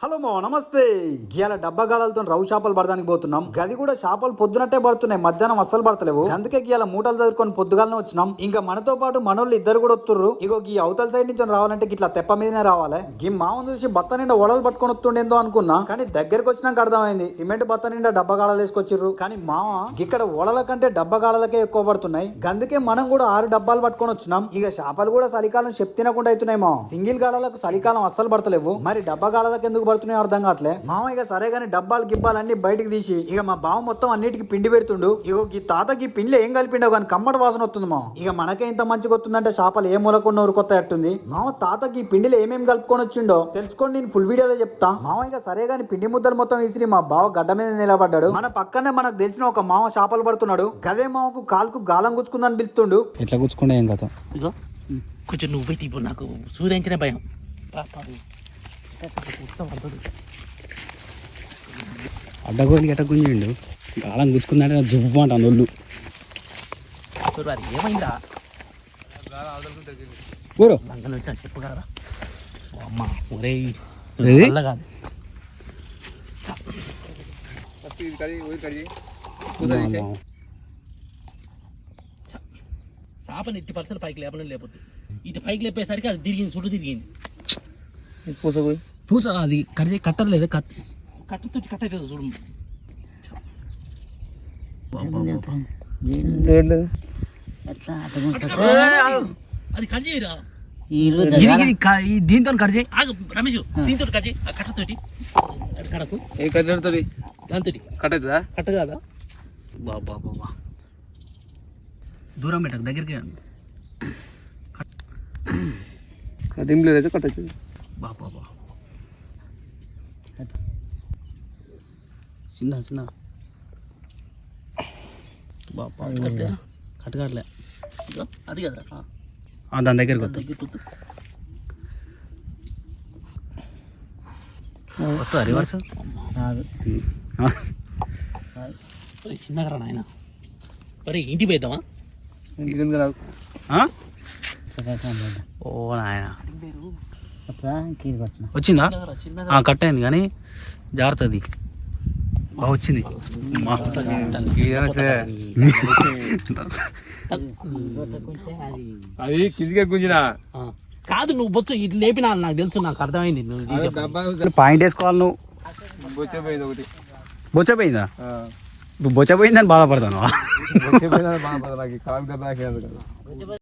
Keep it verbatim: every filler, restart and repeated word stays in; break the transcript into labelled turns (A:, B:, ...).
A: Hello మో నమస్తే. ఇవాళ డబ్బా గాలతో రవ్వు చేపలు పడడానికి పోతున్నాం. గది కూడా చేపలు పొద్దునట్టే పడుతున్నాయి, మధ్యాహ్నం అస్సలు పడతలేవు. అందుకే ఇవాళ మూటలు చదువుకొని పొద్దుగాలనే వచ్చినాం. ఇంకా మనతో పాటు మనోళ్ళు ఇద్దరు కూడా వస్తుర్రు. ఇగో ఈ అవతల సైడ్ నుంచి రావాలంటే ఇట్లా తెప్ప మీదనే రావాలి. ఈ మామను చూసి బత్త నిండా ఒడలు పట్టుకొని వస్తుండేందో అనుకున్నా, కానీ దగ్గరకు వచ్చినాక అర్థమైంది సిమెంట్ బత్త నిండా డబ్బా గాళాలు వేసుకొచ్చిర్రు. కానీ మామ ఇక్కడ ఓడల కంటే డబ్బా గాళాలకే ఎక్కువ పడుతున్నాయి. అందుకే మనం కూడా ఆరు డబ్బాలు పట్టుకొని వచ్చినాం. ఇక చేపలు కూడా చలికాలం చెప్ తినకుండా అవుతున్నాయి. మా సింగిల్ గాళాలకు చలికాలం అస్సలు పడతలేవు, మరి డబ్బా గాళాలకు ఎందుకు పడుతున్నాయి అర్థం కావట్లే. మామ ఇక సరే గానీ డబ్బాలు గిబ్బాలన్నీ బయటకు తీసి ఇక మా బావ మొత్తం అన్నిటికి పిండి పెడుతుండు. ఇగో ఈ తాతకి పిండిలో ఏం కలిపిండవు కానీ కమ్మటి వాసన వస్తుంది. మా ఇక మనకే ఇంత మంచిగా వస్తుందంటే చేపలు ఏ మూలకుండా ఊరుకొత్త అట్టుంది. మామ తాతకి ఈ పిండిలో ఏమేమి కలుపుకొని వచ్చిండో తెలుసుకోండి, నేను ఫుల్ వీడియోలో చెప్తా. మామ ఇక సరే గానీ పిండి ముద్దలు మొత్తం విసిరి మా బావ గడ్డ మీద నిలబడ్డాడు. మన పక్కనే మనకు తెలిసిన ఒక మామ చేపలు పడుతున్నాడు. గదే మామకు కాలుకు గాలం గుచ్చుకుందని పిలుస్తుండు.
B: ఎట్లా గుచ్చుకుంటే ఏం కదా.
C: ఇగో కొంచెం నువ్వు పోయి తీపు, నాకు సూర్యంకనే భయం.
B: అడ్డగోలికి ఎట్ట గుంజిండు, గాలం గుచ్చుకుందంటే జువ్వు అంట నొల్లు.
C: అది ఏమైందా
B: ఊరు
C: లంగలు పెట్టినా చెప్పు కదా అమ్మ. ఒరే
B: ఏది?
C: వల్ల కాదు. చేపని ఎట్టి పరిస్థితులు పైకి లేపడం లేకపోతే ఇటు పైకి లేపేసరికి అది తిరిగింది, చుట్టూ తిరిగింది.
B: పూస
C: పూస అది కట్ కట్టలేదు, కట్ కట్టతో కట్ అవుతుంది చూడు. అది కట్ చేయరా,
B: దీంతో కట్ చేయి.
C: ఆగు రమేష్, దీంతో కట్ చేయి. ఆ కట్టతోటి కడకు,
B: ఏ కట్టతో
C: దాంతో
B: కట్ అవుతుందా?
C: కట్ట కాదా? బాబా బాబా దూరం పెట్టకు, దగ్గరికి
B: దింలేదు కట్టచ్చు.
C: బాబా బా చిన్న చిన్న బాబా కట్టగట్లే అది కదా
B: దాని దగ్గరికి
C: దగ్గర వస్తా రివర్స్ చిన్నగా రా నాయన. మరి ఇంటికి పోయిద్దామా?
B: ఓ నాయన వచ్చిందా? కట్ అయింది కానీ జాగ్రత్తది. బాగా వచ్చింది.
D: అది కిందికే గుంజినా
C: కాదు, నువ్వు బొచ్చు ఇట్లా లేపినా నాకు తెలుసు, నాకు అర్థమైంది. నువ్వు
B: పాయింట్ వేసుకోవాలి. నువ్వు
D: బొచ్చపోయింది ఒకటి.
B: బొచ్చపోయిందా? బొచ్చపోయిందని బాధపడతాను.
D: బొచ్చపోయిందని బాధపడ నాకు కాలు దెబ్బ